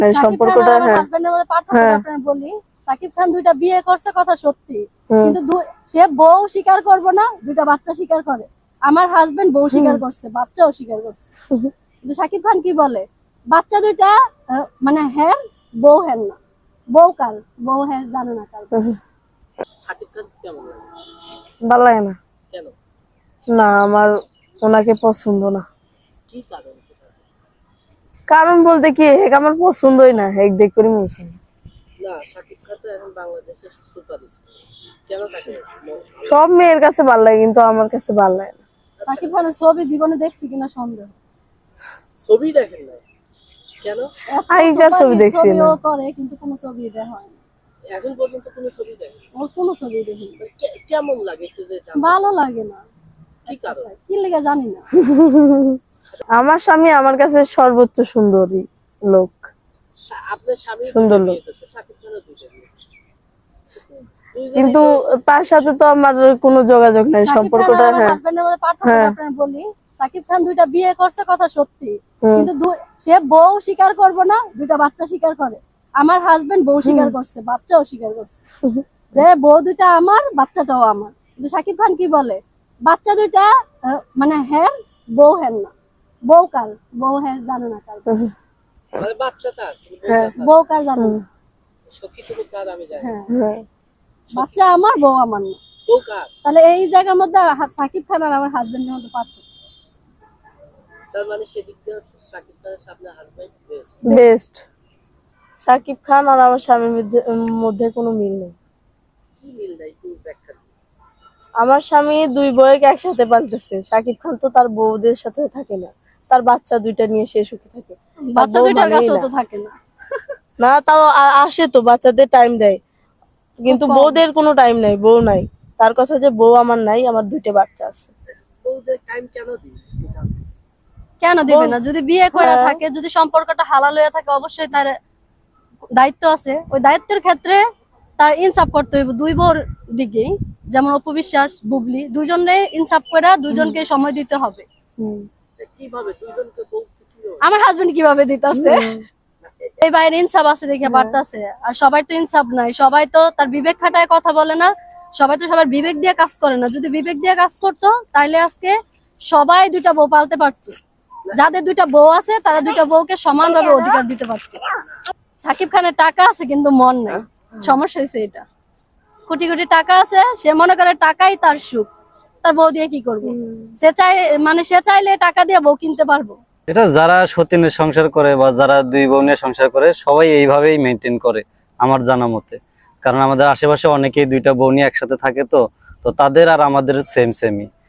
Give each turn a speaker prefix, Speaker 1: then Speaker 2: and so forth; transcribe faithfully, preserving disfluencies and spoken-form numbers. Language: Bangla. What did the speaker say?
Speaker 1: সম্পর্কটা হ্যাঁ
Speaker 2: হাজবেন্ডের মধ্যে পার্থক্য আপনারা বলি, সাকিব খান দুইটা বিয়ে করছে কথা সত্যি, কিন্তু সে বউ স্বীকার করবে না, দুইটা বাচ্চা স্বীকার করে। আমার হাজবেন্ড বউ স্বীকার করছে, বাচ্চাও স্বীকার করছে, কিন্তু সাকিব খান কি বলে বাচ্চা দুইটা মানে হ্যাঁ বউ হ্যাঁ না, বউ কার বউ হ্যাঁ জানে না কার।
Speaker 3: সাকিব খান কেমন লাগে?
Speaker 1: ভালো লাগে না।
Speaker 3: কেন?
Speaker 1: না আমার ওনাকে পছন্দ না।
Speaker 3: কি কারণ?
Speaker 1: কারণ বলতে কি হেক আমার পছন্দই না, হেক দেখ করে মন চায় না।
Speaker 3: না সাকিব খান তো এখন বাংলাদেশের সুপারস্টার, কেন তাকে
Speaker 1: সব মেয়ের কাছে ভালো লাগে কিন্তু আমার কাছে ভালো লাগে না।
Speaker 2: সাকিব খানের ছবি জীবনে দেখছি কিনা সন্দেহ।
Speaker 3: ছবি দেখেন না কেন?
Speaker 1: আগেকার ছবি দেখছি না,
Speaker 2: ছবিও করে কিন্তু কোনো ছবি দেখা হয় না
Speaker 3: এখন পর্যন্ত কোনো ছবি দেখেন?
Speaker 2: ও কোনো ছবি দেখি না।
Speaker 3: কেমন লাগে একটু যে জানতে?
Speaker 2: ভালো লাগে না।
Speaker 3: কি কারণ?
Speaker 2: কি লেগে জানি না।
Speaker 1: আমার স্বামী আমার কাছে সর্বোচ্চ সুন্দরী লোক।
Speaker 3: আপনার স্বামী
Speaker 1: সুন্দর লোক,
Speaker 3: সাকিব খানও দুইটা বিয়ে করছে,
Speaker 1: কিন্তু তার সাথে তো আমার কোনো যোগাযোগ নাই। সম্পর্কটা হ্যাঁ
Speaker 2: হাজবেন্ডের মধ্যে পার্থক্য আপনারা বলি, সাকিব খান দুইটা বিয়ে করছে কথা সত্যি, কিন্তু সে বউ স্বীকার করবে না, দুইটা বাচ্চা স্বীকার করে। আমার হাজবেন্ড বউ স্বীকার করছে, বাচ্চাও স্বীকার করছে, যে বউ দুইটা আমার, বাচ্চাটাও আমার। কিন্তু সাকিব খান কি বলে বাচ্চা দুইটা মানে হ্যাঁ বউ হ্যাঁ না, বউ কার বউ হ্যাঁ জানে না কার,
Speaker 3: মানে বাচ্চাটা
Speaker 2: বউ কার জানে না,
Speaker 3: সখীটুকু কার আমি জানি।
Speaker 2: হ্যাঁ বাচ্চা আমার, বউ আমার না,
Speaker 3: বউ কার?
Speaker 2: তাহলে এই জায়গার মধ্যে সাকিব খান আর আমার হাজবেন্ডের মধ্যে পার্থক্য।
Speaker 3: তার মানে সেদিক দিয়ে সাকিব খানের সামনে হাজবেন্ড
Speaker 1: বেস্ট। সাকিব খান আর আমার স্বামীর মধ্যে কোনো মিল নেই।
Speaker 3: কি মিল নাই একটু ব্যাখ্যা দিন।
Speaker 1: আমার স্বামী দুই বউকে একসাথে পালতেছে, সাকিব খান তো তার বউদের সাথে থাকে না, তার বাচ্চা দুইটা নিয়ে সে সুখী থাকে।
Speaker 2: বাচ্চা দুইটার কাছেও তো থাকে না।
Speaker 1: না তাও আসে তো, বাচ্চাদের টাইম দেয়, কিন্তু বউদের কোনো টাইম নাই, বউ নাই। তার কথা যে বউ আমার নাই, আমার দুইটা বাচ্চা আছে।
Speaker 3: বউদের টাইম কেন দিন?
Speaker 2: কেন দিবে না? যদি বিয়ে করে থাকে, যদি সম্পর্কটা হালাল হয়ে থাকে, অবশ্যই তার দায়িত্ব আছে। ওই দায়িত্বের ক্ষেত্রে তার ইনসাফ করতে হইব দুই বোর দিকেই, যেমন অপু বিশ্বাস, বুবলি, দুইজনে ইনসাফ করে দুইজনকে সময় দিতে হবে।
Speaker 3: কিভাবে দুইজনকে বলতে কি হবে?
Speaker 2: আমার হাজবেন্ড কিভাবে দিতেছে, এই বাইরে ইনসাফ আছে দেখে পারতাছে, আর সবাই তো ইনসাফ নাই, সবাই তো তার বিবেক খাটায় কথা বলে না, সবাই তো সবার বিবেক দিয়ে কাজ করে না। যদি বিবেক দিয়ে কাজ করতো তাহলে আজকে সবাই দুইটা বউ পালতে পারতো, যাদের দুইটা বউ আছে তারা দুইটা বউকে সমানভাবে অধিকার দিতে পারতো। সাকিব খানের টাকা আছে কিন্তু মন নাই, সমস্যা হয়েছে এটা। কোটি কোটি টাকা আছে, সে মনে করে টাকাই তার সুখ, তার বউ দিয়ে কি করবো? সে চাই মানে সে চাইলে টাকা দিয়ে বউ কিনতে পারবো।
Speaker 4: এটা যারা সতীনের সংসার করে বা যারা দুই বোনের সংসার করে সবাই এইভাবেই মেনটেন করে আমার জানা মতে। কারণ আমাদের আশেপাশে অনেকেই দুইটা বোনই একসাথে থাকে, তো তো তাদের আর আমাদের সেম সেমই।